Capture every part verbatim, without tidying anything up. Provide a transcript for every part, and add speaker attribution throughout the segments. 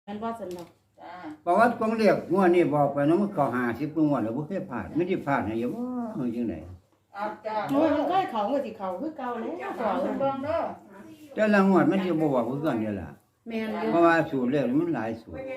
Speaker 1: มันว่าสนุก
Speaker 2: จ้า
Speaker 3: ประวัติของเรียกงวดนี้บอกไปเนาะมันเข้าห้าสิบกว่างวดแล้วบ่เคยพลาดไม่ได้พลาดให้อยู่บ่เฮาจังได๋
Speaker 2: อาจ้า
Speaker 1: โอ้ยมันก็เขาก็สิเขาคือเก่าแล้ว
Speaker 2: จ้า
Speaker 1: ก่อน
Speaker 2: เบิ่งเด้อ
Speaker 3: แต่ละงวดมันสิบ่บอกคือกันนี่ล่ะ
Speaker 1: แม่นอยู่
Speaker 3: เพราะว่าสูตรเลขมันหลายสูตร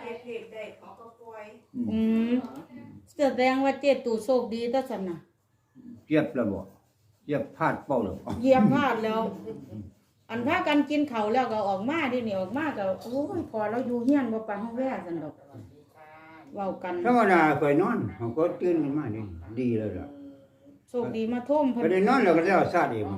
Speaker 1: อืมแสดงว่าเจตูโชคดีต่อซั่นน่ะ
Speaker 3: เทียบแล้วบ่เทียบพลาดเป้าแล้วบ่
Speaker 1: เหยียบพลาดแล้ว อันพากันกินข้าวแล้วก็ออกมาดินี่ออกมาก็โอ้ยพอเราอยู่เฮียนบ่ปานเฮาแว่ซั่นดอกเว้ากัน
Speaker 3: ธรรมดาเคยนอนเฮาก็ตื่นขึ้นมานี่ดีแล้วล่ะ
Speaker 1: โชคดีมาท่ม
Speaker 3: ก็ได้นอนแล้วก็แล้วซาดเอง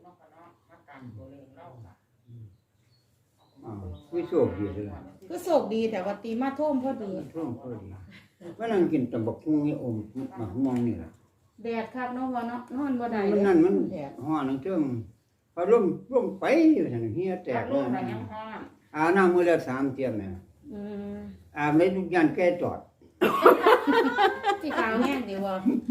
Speaker 3: อ้าวคือโชคดีเลยล่ะ
Speaker 1: คือโชคดีแต่ว่าตีมาท่มพอดี
Speaker 3: ช่วงพอดีว่านั่งกินตำบักหุ่งนี่อมหมักม่วงนี่ล่ะ
Speaker 1: แดดครับเนาะว่าเนาะนอนบ่ได้
Speaker 3: มันนั่นมัน
Speaker 1: แดด
Speaker 3: ฮ้อนทั้งเทิงพอลมลมไปอยู่ซั่นเฮียแต
Speaker 2: จาก
Speaker 3: ก
Speaker 2: ลู
Speaker 3: เล
Speaker 2: ก
Speaker 3: ย
Speaker 2: น่ะยังฮ้อน
Speaker 3: อาบน้ำมื้อละสามเที่ยแม่
Speaker 1: อืม
Speaker 3: อาบในทุกอย่างแก้จอด
Speaker 1: ที่ขาวแห้งดีบ่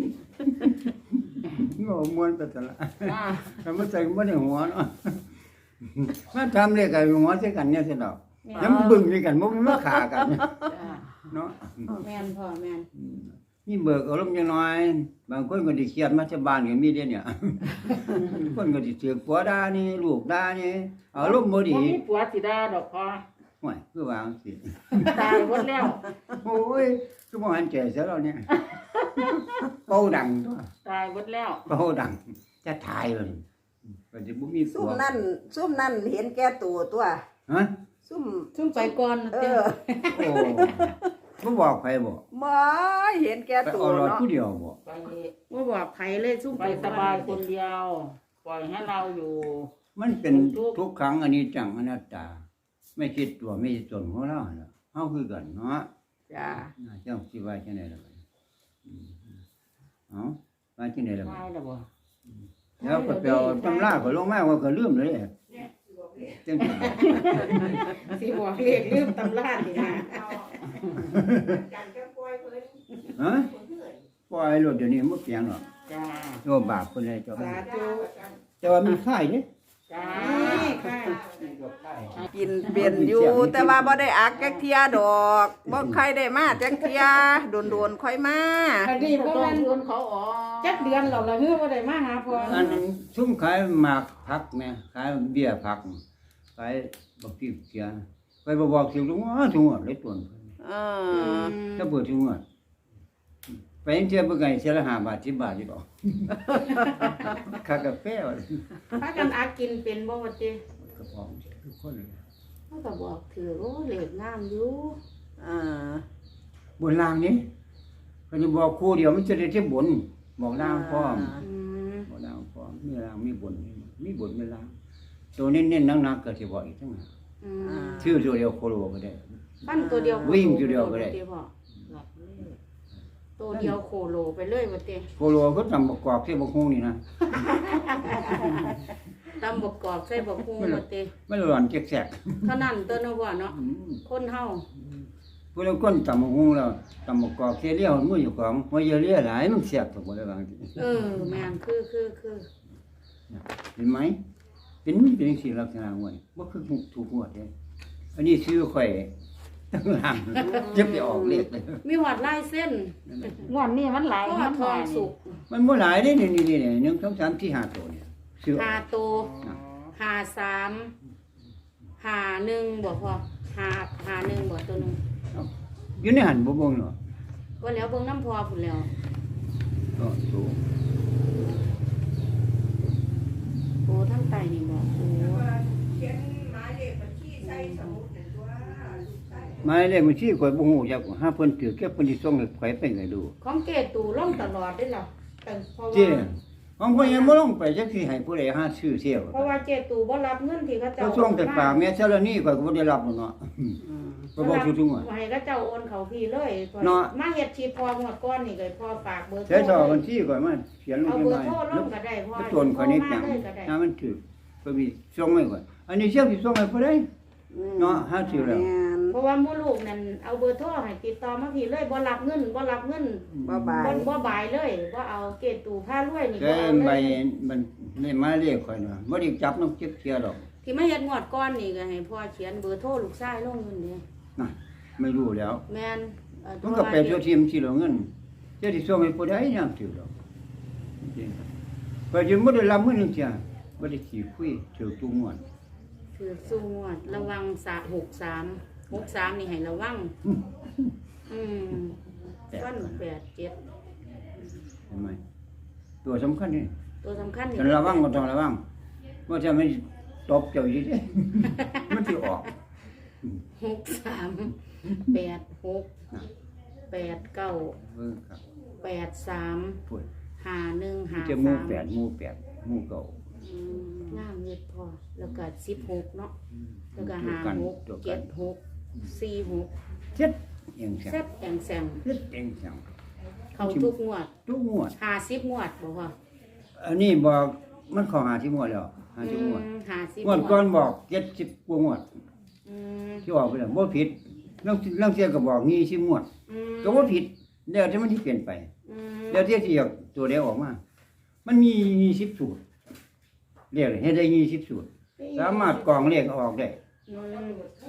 Speaker 3: งอมวนไปตะละ
Speaker 2: จ้า
Speaker 3: ทำมาใส่บ่ได้หัวเนาะมาทำเลยกับหัวใส่กันเนี่ยสิดอกยังบึ้งด้วยกันบ่มาขากัน
Speaker 2: จ้า
Speaker 3: เนาะ
Speaker 1: แม่นพ่อแม่น
Speaker 3: นี่เบิกอารมณ์จังน้อย บางคนก็สิเครียดมาที่บ้านก็มีเด้เนี่ยคนก็สิถือผัวด่านี่ลูกด่านี่อารมณ์บ่ดี
Speaker 2: บ่มีผัวสิด่าดอกพอ
Speaker 3: ห่วยคือว่าจังซี่
Speaker 2: ตายหมดแล้ว
Speaker 3: โอ้ยคือบ่หันใจซะแล้วเนี่ยเป่าดังตัว
Speaker 2: ตายหมดแล้ว
Speaker 3: เป่าดังจะทายเลยก็สิบ่มีผั
Speaker 4: ซุ่ม
Speaker 3: ว
Speaker 4: นั่นซุ่มนั่นเห็นแก่ตัวตัว
Speaker 3: ฮะ
Speaker 4: ซุ่ม
Speaker 1: ซุ่มไปก่อน
Speaker 4: เอ
Speaker 1: เด้
Speaker 4: อ
Speaker 3: โอ้บ่บอกใครบ่
Speaker 4: บ่เห็นแก่
Speaker 3: ไป
Speaker 4: ตัว
Speaker 3: เอารถ
Speaker 4: เนาะ
Speaker 3: ผู้เดียวบ่
Speaker 2: ไป
Speaker 1: บ่บอกไผเลยซุ่ม
Speaker 2: ไป
Speaker 1: ไป
Speaker 2: สบายคนเดียว ปล่อยให้เราอยู่
Speaker 3: มันเป็นทุกครั้งอันนี้จังอนัตตา ไม่คิดตัวไม่คิดตนของเราเนาะเฮาคือกันเนาะ
Speaker 4: จ้า
Speaker 3: เจ้าสิว่าจังได๋ล่ะบัดนี้อืมเอ้าว่าจังได๋ล่ะบัด
Speaker 2: ตาย
Speaker 3: นี้
Speaker 2: แล้วบ่
Speaker 3: แล้วก็ไปเอาตำราก็ลงมาว่าก็ลืมเลยจังซี่
Speaker 1: สิบอกเลขลืมตำราสินะ
Speaker 3: ฮะปล่อยรถเดี๋ยวนี้บ่เปลี่ยนหรอก
Speaker 2: จ้า
Speaker 3: โยบาปเพิ่นเลยเจ้า
Speaker 1: สาธุ
Speaker 3: แต่ว่ามีค่ายเด้
Speaker 2: จ้า
Speaker 1: นี่ค่ะ
Speaker 4: กินเป็นอยู่ แต่ว่าบ่ได้อักจักเที่ยดอกบ่ใครได้มาจักเที่ยโดนๆค่อยมา
Speaker 1: อันนี้บ่
Speaker 2: ต้อ
Speaker 1: แม่
Speaker 2: ง
Speaker 1: น
Speaker 2: เงินเขาออก
Speaker 1: จักเดือนแล้วล่ะฮือบ่ได้มาหาพ่อ
Speaker 3: อันซุ่มขายหมากผักแม่ขายเบี้ยผักขายบักพริกเสียไปบ่บอกสิลุงว่าถุงอะเลยตวน
Speaker 4: เอ
Speaker 1: อื
Speaker 4: อ
Speaker 1: ม
Speaker 3: ถ้าเปิดถุงอะไปเที่ยวเบิ่งไงเสียละห้าบาทสิบบาทอยู่ดอกค่ากาแฟว่า
Speaker 1: พากันอักกินเป็นบ่ว่าติ
Speaker 3: กระป๋องทุกคนเลย
Speaker 1: เฮาก็บอกถือโอ้เลขงามอยู่
Speaker 4: เออบ
Speaker 3: นล่างนี้เขาจะบอกครูเดียวมันจะได้ที่บนบอกล่างพร้อม
Speaker 1: อืม
Speaker 3: บอกล่างพร้อมมีล่างมีบนมีบนมีล่างตัวเน้นๆหนักๆก็สิบอกอีกทั้งนั้น
Speaker 1: อืม
Speaker 3: ชื่อตัวเดียวโคโลก็ได้
Speaker 1: ปั้นตัวเดียว
Speaker 3: วิ่งตัวเดียวก็ได้
Speaker 1: พ่อตัวเดียวโคโลไปเลยว่าติ
Speaker 3: โคโลก็ตำประกอบที่บกฮูนี่นะ
Speaker 1: ตำบกกอกใส่บกฮู้ว่าติ
Speaker 3: ไม่ร้อนแจก
Speaker 1: เท่านั้นตัวเนาะว่าเนาะ
Speaker 3: ๆอืม
Speaker 1: คนเฮา
Speaker 3: พวกเราคนตำบกฮูแล้วตำประกอบเสียเลี้ยวมืออยู่ของบ่เยอะเลี้ยหลายมันเสียบตัวบ่ได้บางที
Speaker 1: เออแม่นคือคือคือ
Speaker 3: เห็นไหมเป็นเป็นสิ่งลักษณะหวยบ่คือถูกหวยเด้อันนี้ชื่อข่อยตั้งหลังจะไปออกเลขเลย
Speaker 1: มีหอดลายเส้น
Speaker 2: งวดนี้มันหลาย
Speaker 1: พ่อ
Speaker 2: มัน
Speaker 1: ทองสุก
Speaker 3: มันบ่หลายเด้นี่นี่นี่หนึ่ง สอง สาม สี่ ห้าตัวเนี่ยชื่อ
Speaker 1: หาโตหาสามหาหนึ่งบ่พอหาหาหนึ่งบ่ตัวหนึง
Speaker 3: อยู่ในหันบ่เบ่งเนาะ
Speaker 1: ว่าแล้วเบิ่งน้ำพอพุ่นแล้ว
Speaker 3: ก็สูง
Speaker 1: โอ้ทั้งไตนี่บ่โอ้
Speaker 3: หมายเลขบัญชีข่อยบ่ฮู้จักหาเพิ่นถือเก็บเพิ่นสิส่งให้ข่อยไปให้ดู
Speaker 1: ของเกตูลงตลอดได้อล่ะแต่เพราะ
Speaker 3: เจ้
Speaker 1: ว่า
Speaker 3: ของข่อยยังบ่ลงไปจักสิให้ผู้ใดหาซื้อเที่ยว
Speaker 1: เพราะว่าเจตูบ่รับเงินที่เขาเจ้า
Speaker 3: ก็ส่งแต่ปากแม่เท่านี้ข่อยก็บ่ได้รับเนาะก็บอกทุกๆว่า
Speaker 1: ให้เขาเจ้าโอนเขาพี่เลย
Speaker 3: เนาะ
Speaker 1: มาเฮ็ดชีพพอหมดก้อนนี่ก็พอฝากเบอร์โทร
Speaker 3: ใช้ซอบัญชีข่อยมาเขียนลง
Speaker 1: เอา
Speaker 3: ไป
Speaker 1: เบอ
Speaker 3: ใหม่
Speaker 1: ร์โทรลงก็ได้พอ
Speaker 3: ไปตนข่อยนิดจัง
Speaker 1: โทรมาเลยก็ได้
Speaker 3: ถ้ามันถือก็มีส่งให้ข่อยอันนี้เสียสิส่งให้ผู้ใดเนาะหาซื้อแล้ว
Speaker 4: ม่น
Speaker 1: เพราะว่าหมู่ลูกนั่นเอาเบอร์โทรให้ติดต่อมาพี่เลยบ่รับเงินบ่รับเงิน
Speaker 4: บ่บา
Speaker 1: บ่
Speaker 4: ย
Speaker 1: บ่บายเลยบ่เอาเกตูผ้ารวยนี่
Speaker 3: แต่
Speaker 1: บ่เอา
Speaker 3: ใบ
Speaker 1: เลย
Speaker 3: มันนี่มาเรียกข่อยเนาะบ่ได้จับน้องเก็บเที่ยดอก
Speaker 1: ที่มาเฮ็ดงวดก้อนนี่ก็ให้พ่อเขียนเบอร์โทรลูกชายลงอยู่นี่
Speaker 3: น่ะไม่รู้แล้ว
Speaker 1: แม่นเอ่อ
Speaker 3: มันก็ไปตัวทีมที่เราเงินเจ้าที่ส่งให้ผู้ใดยามถือดอกจริงๆก็ยังบ่ได้รับเงินจังซี่บ่ได้ขี้คุยถือตู้งวด
Speaker 1: คือสู้งวดระวังสะหกสามหกสามนี่ให้ระวัง อืมต้นแปดเจ็ด
Speaker 3: เห็นไหมตัวสำคัญนี่
Speaker 1: ตัวสำคัญนี่
Speaker 3: ต้องระวังก็ต้องระวังว่าจะไม่ตบเจ้าอยู่เด้ มันสิออก
Speaker 1: หกสามแปดหกแปดเก้า
Speaker 3: เออครับ
Speaker 1: แปดสาม
Speaker 3: พูด
Speaker 1: หาหนึ่งหา
Speaker 3: จะหมู่
Speaker 1: สาม
Speaker 3: แปดหมู่แปดหมู่เก่า
Speaker 1: อืมงามเย็ดพอแล้วก็สิบหกเนาะแล้วก็
Speaker 3: ตัว
Speaker 1: หา
Speaker 3: กัน
Speaker 1: หก
Speaker 3: ตัวกั
Speaker 1: เจ็
Speaker 3: น
Speaker 1: ดหกสี่หก
Speaker 3: เจ็ดเองแซ
Speaker 1: แซ่
Speaker 3: ง
Speaker 1: บแองแซง
Speaker 3: เจ็ดเองแซง
Speaker 1: เขาทุกงวด
Speaker 3: ทุกงวด
Speaker 1: หาสิบงวดบอกว่า
Speaker 3: อันนี้บอกมันเขอหาที่งวดแล้วหาที่งวด
Speaker 1: อืมหาสิบ
Speaker 3: งวดก่อนบอกเจ็ดสิบกว่างวด
Speaker 1: อืม
Speaker 3: ที่ออกไปแล้วบ่ผิดลางลางเที่ยก็บอกยี่สิบงวด
Speaker 1: อืม
Speaker 3: ก็บ่ผิดแล้วที่มันที่เปลี่ยนไป
Speaker 1: อืม
Speaker 3: แล้วที่ที่อยากตัวเดียวออกมา มันมียี่สิบสูตรเรียกให้ได้ยี่สิบสูตร สามารถกรองเลขออกได้
Speaker 1: อืม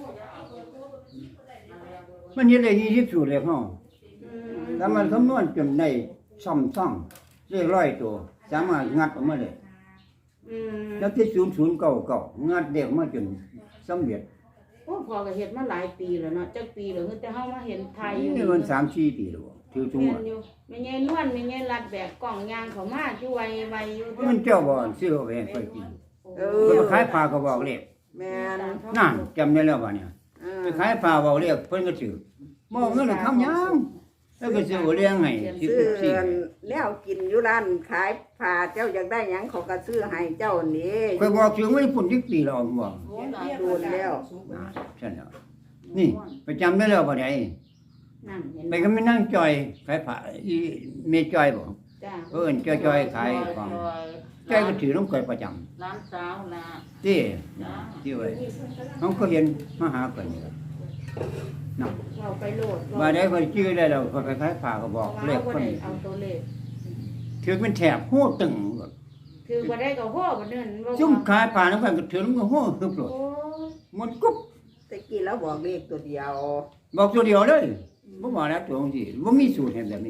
Speaker 3: มันเฮ็ดได้ยี่สิบสูตรเลขเฮา
Speaker 1: อืม
Speaker 3: สามารถคำนวณจนได้ซ่อมซ่องเลขร้อยตัว สามารถงัดออกมาได้
Speaker 1: อืม
Speaker 3: แล้วที่ศูนย์ศูนย์เก้าเก้างัดเด็กมาจนสำเร็จ
Speaker 1: โอ้พอก็เฮ็ดมาหลายปีแล้วเนาะจักปีแล้วแต่เฮามาเห็นไทยอยู่
Speaker 3: นี่มันสามสี่ปีแล้วบ่ถือจุง
Speaker 1: แม่
Speaker 3: ว่าน
Speaker 1: อยู่แม่ใหญ่นวลแม่ใหญ่รัดแบบกล่องยางเขามาอยู่ไวไวอยู่
Speaker 3: มันเจ้าบ่ซื้อเอาไปให้ค่อยกิน
Speaker 4: เอ
Speaker 3: เพิ่น
Speaker 4: อ
Speaker 3: มาขายปลาก็บอกเลข
Speaker 4: แม่น
Speaker 3: นั่นจำได้แล้วบ่เนี่ย
Speaker 4: เออ
Speaker 3: ไปขายปลาบอกเลขเพิ่นก็ซื้อมองเงินคำยังแล้วก็ซื้อเลี้ยงให้สิบ
Speaker 4: ซื้อ
Speaker 3: สี่
Speaker 4: แล้วกินอยู่ร้านขายผ้าเจ้าอยากได้หยังเขาก็ซื้อให้เจ้านี่
Speaker 3: ค่อยบอกซื้อไม่พุ่นที่ปีแล้วบ่
Speaker 2: โอ้หลาย
Speaker 4: โดนแล้ว
Speaker 3: น่ะใช่แล้วนี่ไปจำได้แล้วบ่ได้
Speaker 1: นั่นเห็น
Speaker 3: ไปก็ไม่นั่งจอยขายผ้าอีเมจอยบ่
Speaker 1: จ้า
Speaker 3: เอิ้นจอยๆขายของจอยก็ถือน้ำก่อยประจำ
Speaker 2: ร้านสาวนะ
Speaker 3: ที่ที่ไว้น้องก็เห็นมาหาก่อนนี่ล่ะน่ะ
Speaker 1: เราไปโหลด
Speaker 3: ว่าได้ค่อยชื่อได้แล้วก็ไปขายผ้าก็บอกเล
Speaker 1: เล
Speaker 3: ข
Speaker 1: ข
Speaker 3: ค
Speaker 1: คน
Speaker 3: น
Speaker 1: เอาตัวเลข
Speaker 3: ถือเป็นแถบโหตึง
Speaker 1: คือบ่ได้ก็โหบ่เดินบ่
Speaker 3: ซุ่มขายผ้านำกันก็ถือมันก็โหฮึบโลด
Speaker 1: โอ้
Speaker 3: มันกุ๊บ
Speaker 4: แตะกี้แล้วบอกเลขตัวเดียว
Speaker 3: บอกตัวเดียวเลยบ่ว่าแล้วตัวจังซี่บ่มีสูตรให้แบบนี้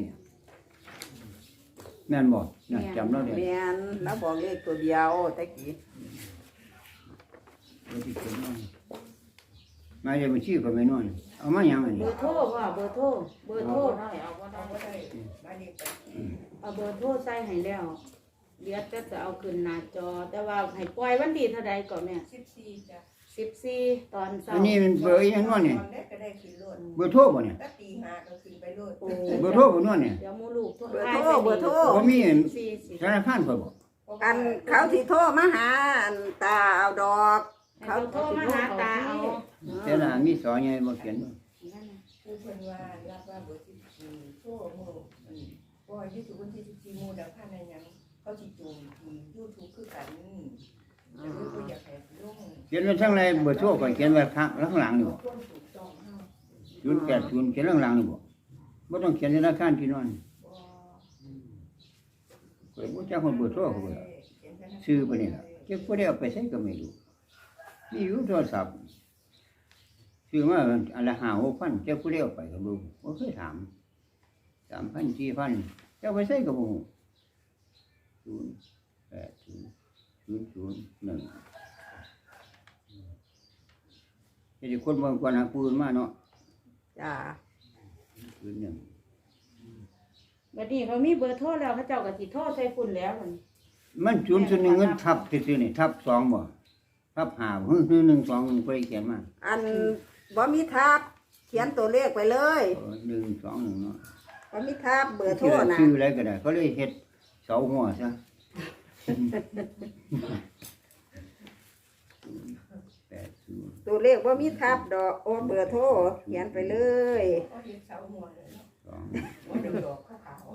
Speaker 3: แม่นบ่น่ะจำแล้วเด้
Speaker 4: แม่นแล้วบอกเลขตัวเดียวแตะกี้
Speaker 3: มาจะมาชื่อก็ไม่นอนเอามาอย่างไร
Speaker 1: เบอร์โทรว่าเบอร์โทรเบอร์โทร
Speaker 2: ได้เอาก็ได้
Speaker 1: เอาเบอร์โทรใส่ให้แล้วเดี๋ยวจะจะเอาขึ้นหน้าจอ แต่ว่าให้ปล่อยวันที่เท่าใดก่อนแม่
Speaker 5: สิบสี่จ้ะ
Speaker 1: สิบสี่ตอนเช้า
Speaker 3: อันนี้มันเบอร์อีหยังนอนนี่
Speaker 5: ตอนแรกก็ได้ขึ้นรถ
Speaker 3: เบอร์โทรบ่เนี่ย
Speaker 5: ก็ตีห้าก็ขึ้นไปรถ
Speaker 1: โอ้
Speaker 3: เบอร์โทรบ่นอนเนี่ย
Speaker 1: เดี๋ยวหมูลูกโทร
Speaker 4: เบอร์โทรเบอร์โทร
Speaker 3: บ่มี
Speaker 1: สี่สิ
Speaker 3: ธนาคารเพิ่นบ่
Speaker 4: อันเขาสิโทรมาหาอันตาเอาดอก
Speaker 1: เขาโทรมาหาตาเอา
Speaker 3: แต่ละมีสอนใหญ่บ่เขียนบ่
Speaker 5: คือเพิ่นว่ารับว่าเบอร์สิบสี่โทรโมอืมเพราะว่ายี่สิบวันที่สิบสี่โมดับพันในหยังเขาสิจูงที่ยูทูบคือกันแต่ว่าบ่อยากให้ลง
Speaker 3: เขียนไว้ทางไหนเบอร์โทรก็เขียนไว้ข้างข้างหลังนี่บ่
Speaker 5: คนถูกต้องเฮา
Speaker 3: ศูนย์แปดศูนย์เขียนข้างหลังนี่บ่บ่ต้องเขียนธนาคารที่นอน
Speaker 5: บ่
Speaker 3: ก็บ่จักคนเบอร์โทรเขาบ่ล่ะชื่อไปนี่ล่ะเจ้าบ่ได้เอาไปใช้ก็ไม่รู้มีอยู่โทรศัพท์ชื่อมาอันละห้าหกพันเจ้าผู้ใดเอาไปก็บ่บ่เคยถามสามพัน สี่พันเจ้าไปใช้ก็บ่ฮู้ศูนย์แปดศูนย์ศูนย์ศูนย์หนึ่งเฮ็ดให้คนบางคนหาปืนมาเนาะ
Speaker 4: จ้า
Speaker 3: ปืนหนึ่ง
Speaker 1: บัดนี้เขามีเบอร์โทรแล้วเขาเจ้าก็สิโทรใส่ฝุ่นแล้วมัน
Speaker 3: มันศูนย์ศูนย์หนึ่งเงินทับซื่อๆนี่ทับสองบ่ทับห้าฮึหนึ่งหนึ่งสองหนึ่งบ่ได้เขียนมา
Speaker 4: อันบ่มีทับเขียนตัวเลขไปเลย
Speaker 3: เออหนึ่งสองหนึ่งเนาะ
Speaker 4: บ่มีทับเบอร์โทร
Speaker 3: ชื่อ
Speaker 4: นะ
Speaker 3: ชื่ออะไรก็ได้เขาเลยเฮ็ดเสาหัวซะแปดศูนย์
Speaker 4: ตัวเลขบ่มีทับดอกโอ้เบอร์โทรเขียนไปเลย
Speaker 5: ก็เฮ็ดเสาหัวเลยเนาะ
Speaker 3: สอง
Speaker 5: บ่ได้ดอกขาว
Speaker 3: ห้าสี่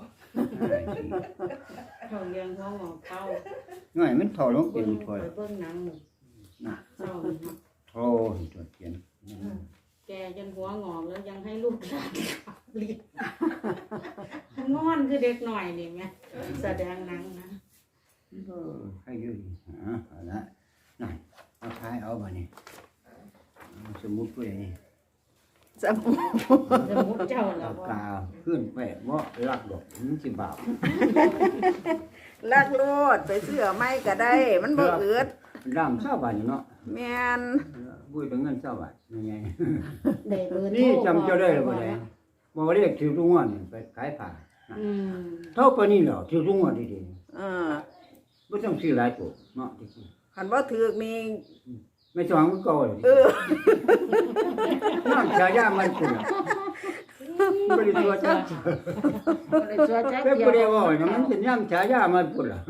Speaker 1: เขาเลี้ยงเขาหมอเขา
Speaker 3: น้อยมันถอดลงเป็
Speaker 1: เบิ่
Speaker 3: น
Speaker 1: ง
Speaker 3: ถอย
Speaker 1: ไปเบิ่งหนังนี่
Speaker 3: น่ะ
Speaker 1: เศร้า
Speaker 3: โทรตัวเขียน
Speaker 1: แกจนหัวงอกแล้วยังให้ลูกหลานเรียนงอนคือเด็กหน่อยนี่แม่แสดงหนังนะ
Speaker 3: เออให้อยู่ดีอ่าเอาละนั่นเอาท้ายเอาบ่นี่เอาสมมุติว่าอย่างนี้
Speaker 4: สมุ
Speaker 1: สมุดเจ้าน่ะ
Speaker 3: ปาก
Speaker 1: บ่
Speaker 3: กาขึ้นไปบ่รักดอกมันสิบาป
Speaker 4: ลักโลดไปซื้อเอาไม้ก็ได้ มันบ่อืด
Speaker 3: ร่ำเศร้าบาทอยู่เนาะ
Speaker 4: แม่น
Speaker 3: บุ้ยเป็นเงินเศร้าบาทยังไง
Speaker 1: ได้เบอร์โทร
Speaker 3: นี่จำเจ้าได้หรือเปล่าเนี่ยบอกว่าเรียกถือทุกงวดนี่ไปขายผ้า
Speaker 1: อืม
Speaker 3: เท่าปานนี้เหรอถือทุกงวดดี
Speaker 4: เออ
Speaker 3: ๆไม่ต้องซื้อหลายตัวเนาะจริง
Speaker 4: คันบ่ถูกนี่
Speaker 3: ๆไม่จองมันเก่าเลย
Speaker 4: เออ
Speaker 3: น้ำชายามันคุณไม่ได้ตัวจ้า
Speaker 2: บ่ได้ชัวจัก
Speaker 3: เป็น
Speaker 2: เดีย
Speaker 3: ผู้เดียว
Speaker 2: ว
Speaker 3: ว่าเนี่ยมันเป็นน้ำชายามันคุณล่ะ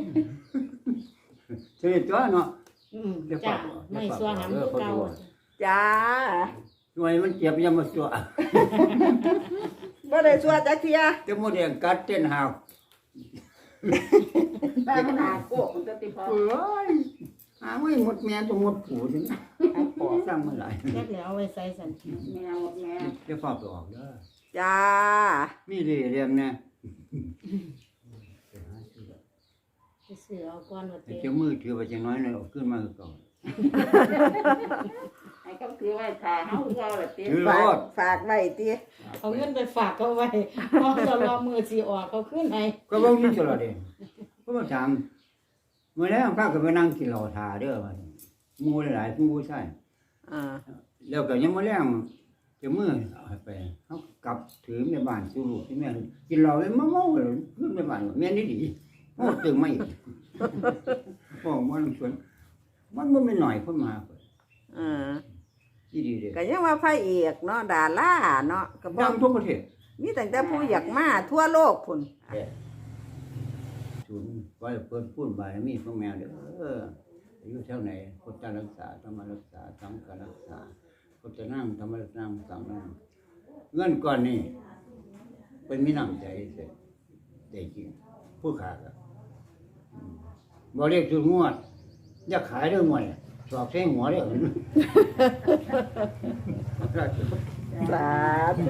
Speaker 3: เสียตัวเนาะ
Speaker 1: อืมจ้าไม่ซัวหำคือเก่า
Speaker 4: จ้า
Speaker 3: หน่วยมันเจ็บยังมาสัว
Speaker 4: บ่ได้ชัวจักเที่ย
Speaker 3: แต่โมเดลกัดเต้นหาว
Speaker 2: แต่มันหาโกกมันจะติพอ
Speaker 3: เอ้ยหาไม่หมดแม่ต้องหมดผูถึงพอสร้างมาหลาย
Speaker 1: แค่แล้วเอาไว้ใส่สัน
Speaker 2: แมวแม่
Speaker 3: เดี๋ยวฟ้าไปออกเด้อ
Speaker 4: จ้า
Speaker 3: มีเรียงนะ
Speaker 1: ไปซื้อเอาก่อนว่า
Speaker 3: ไอ้
Speaker 1: เต้
Speaker 3: เจ้ามือถือไปจังน้อยเลยออกขึ้นมาคือเก่อน
Speaker 2: ให้เขาถือไว้ถ้าเฮาเอาล่ะติ
Speaker 3: ถือร
Speaker 4: ฝาก
Speaker 3: ถ
Speaker 4: ฝากไว้ติ
Speaker 1: เอาเงินไปฝากเขาไว้พอจะรอมือสิออกเขาขึ้นให้
Speaker 3: ก็บ่มีตลอดเด้ก็มาถามเมื่อแล้วพาก็ไปนั่งกินเหล้าทาเด้อว่าหมู่หลายๆผู้ผู้ชาย
Speaker 4: อ่า
Speaker 3: แล้วก็ยังมาแล้งเจ้ามือเอาไปเฮากลับถือในบ้านสู่ลูกที่แม่กินเหล้าแล้วมาเมาเลยขึ้นในบ้านแม่นนี่ดีโอ้ตึงมาอีกบ่มันสวนมันบ่แม่นน้อยคนมาเพิ่น
Speaker 4: เออ
Speaker 3: อีดีเด้
Speaker 4: ก็ยังว่าพระเอกเนาะดาราเนาะก็บ่
Speaker 3: ดังทั่วประเทศ
Speaker 4: มีตั้งแต่ผู้อยากมาทั่วโลกพุ่น
Speaker 3: ศูนย์ไว้เปิดพูดบารมีของแมวเด้อเอออายุเท่าไหนพุทธรักษาธรรมรักษาสังฆรักษาพุทธนั่งธรรมรักษาสังฆนั่งเงินก่อนนี่เป็นมีน้ำใจเสร็จได้จริงผู้ขาดบ่เรียกจุดงวดอยากขายเรื่องงวดสอบเส้นหัวเด้อ
Speaker 4: สาธุ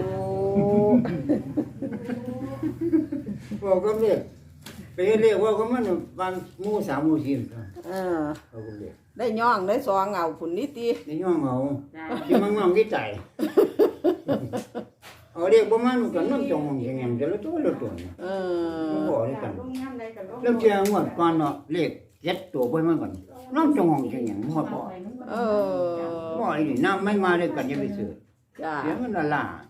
Speaker 3: บอกก็เรียกไปเรียกว่าก็มันบางหมู่สามหมู่สี่
Speaker 4: เออ
Speaker 3: เขาก็เรียก
Speaker 4: ได้ย่องได้ซองเอาพุ่นนี่ติ
Speaker 3: ในย่องเอา
Speaker 2: จ้า
Speaker 3: ที่มันงองที่ใจเอาเรียกประมาณกันน้ำจงอย่างเงี้ยจะรู้ตัวรู้ตัว
Speaker 4: เอ
Speaker 3: มัน
Speaker 4: อ
Speaker 3: บอกด้วยกันแล้วเจ้างวดก่อนเนาะเรียกเจ็ดตัวไปมันก่อนน้ำจงอย่างเงี้ยมันบอก
Speaker 4: เออ
Speaker 3: บอกอีนี่น้ำไม่มาด้วยกันยังไปซื้อ
Speaker 4: จ้า
Speaker 3: เดี๋ยวมันละล่า